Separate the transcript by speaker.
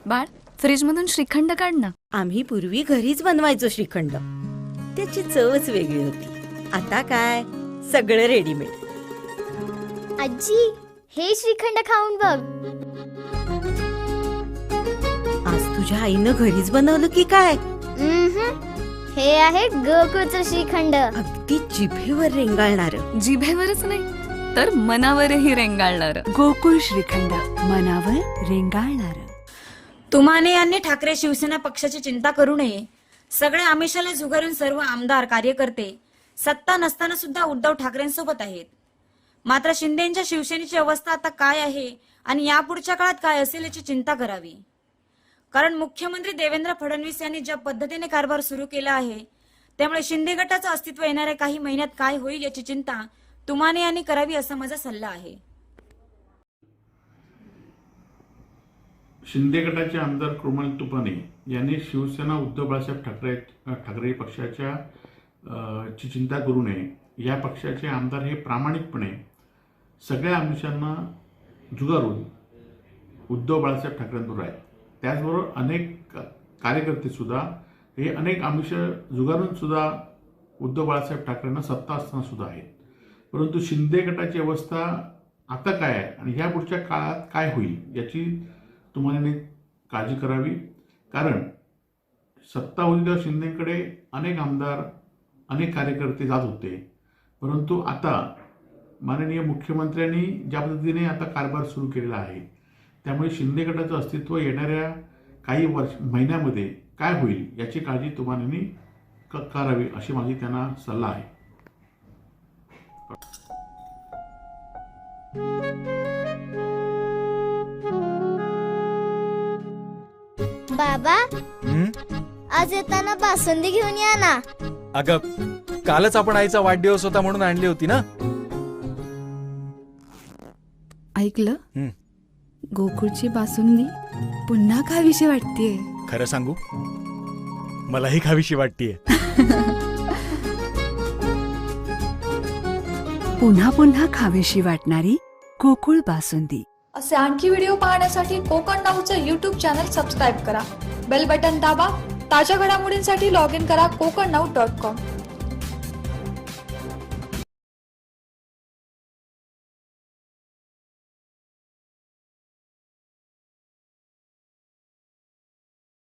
Speaker 1: बाळ, फ्रीज मधून श्रीखंड काढ ना.
Speaker 2: आम्ही पूर्वी घरीच बनवायचो श्रीखंड. त्याची चवच वेगळी होती. आता काय सगळं रेडीमेड.
Speaker 3: आजी, हे श्रीखंड खाऊन बघ.
Speaker 2: आज तुझ्या आईनं घरीच बनवलं की काय?
Speaker 3: हे आहे गोकुळचं श्रीखंड.
Speaker 2: अगदी जिभेवर रेंगाळणार.
Speaker 1: जिभेवरच नाही तर मनावरही रेंगाळणार.
Speaker 4: गोकुळ श्रीखंड, मनावर रेंगाळणार.
Speaker 5: तुमाने यांनी ठाकरे शिवसेना पक्षाची चिंता करू नये. सगळे आमिषाला झुगारून सर्व आमदार कार्यकर्ते सत्ता नसताना सुद्धा उद्धव ठाकरेंसोबत आहेत. मात्र शिंदेच्या शिवसेनेची अवस्था आता काय आहे आणि यापुढच्या काळात काय असेल याची चिंता करावी. कारण मुख्यमंत्री देवेंद्र फडणवीस यांनी ज्या पद्धतीने कारभार सुरू केला आहे त्यामुळे शिंदे गटाचं अस्तित्व येणाऱ्या काही महिन्यात काय होईल याची चिंता तुमाने यांनी करावी असा माझा सल्ला आहे.
Speaker 6: शिंदे गटाचे आमदार कृमल तुपने यांनी शिवसेना उद्धव बाळासाहेब ठाकरे पक्षाच्या ची चिंता करू नये. या पक्षाचे आमदार हे प्रामाणिकपणे सगळ्या आमिषांना झुगारून उद्धव बाळासाहेब ठाकरेंबरोबर आहेत. त्याचबरोबर अनेक कार्यकर्ते सुद्धा हे अनेक आमिष झुगारून सुद्धा उद्धव बाळासाहेब ठाकरेंना सत्ता असताना सुद्धा आहेत. परंतु शिंदे गटाची अवस्था आता काय आहे आणि ह्या पुढच्या काळात काय होईल याची तुम्हाला काळजी करावी. कारण सत्ता होती तेव्हा शिंदेकडे अनेक आमदार अनेक कार्यकर्ते जात होते. परंतु आता माननीय मुख्यमंत्र्यांनी ज्या पद्धतीने आता कारभार सुरू केलेला आहे त्यामुळे शिंदे गटाचं अस्तित्व येणाऱ्या काही महिन्यामध्ये काय होईल याची काळजी तुम्हाला करावी अशी माझी त्यांना सल्ला आहे.
Speaker 3: बाबा, आज येताना बासुंदी घेऊन या ना.
Speaker 7: अगं, कालच आपण आईचा वाढदिवस होता म्हणून आणली होती ना.
Speaker 4: ऐकलं? गोकुळची बासुंदी पुन्हा खावीशी वाटतेय.
Speaker 7: खरं सांगू, मलाही खावीशी वाटतेय.
Speaker 4: पुन्हा पुन्हा खावीशी वाटणारी गोकुळ बासुंदी.
Speaker 8: असे आणखी व्हिडिओ पाहण्यासाठी कोकण नाऊचं YouTube चॅनल सबस्क्राईब करा. बेल बटन दाबा. ताज्या घडामोडींसाठी लॉग इन करा kokarnau.com.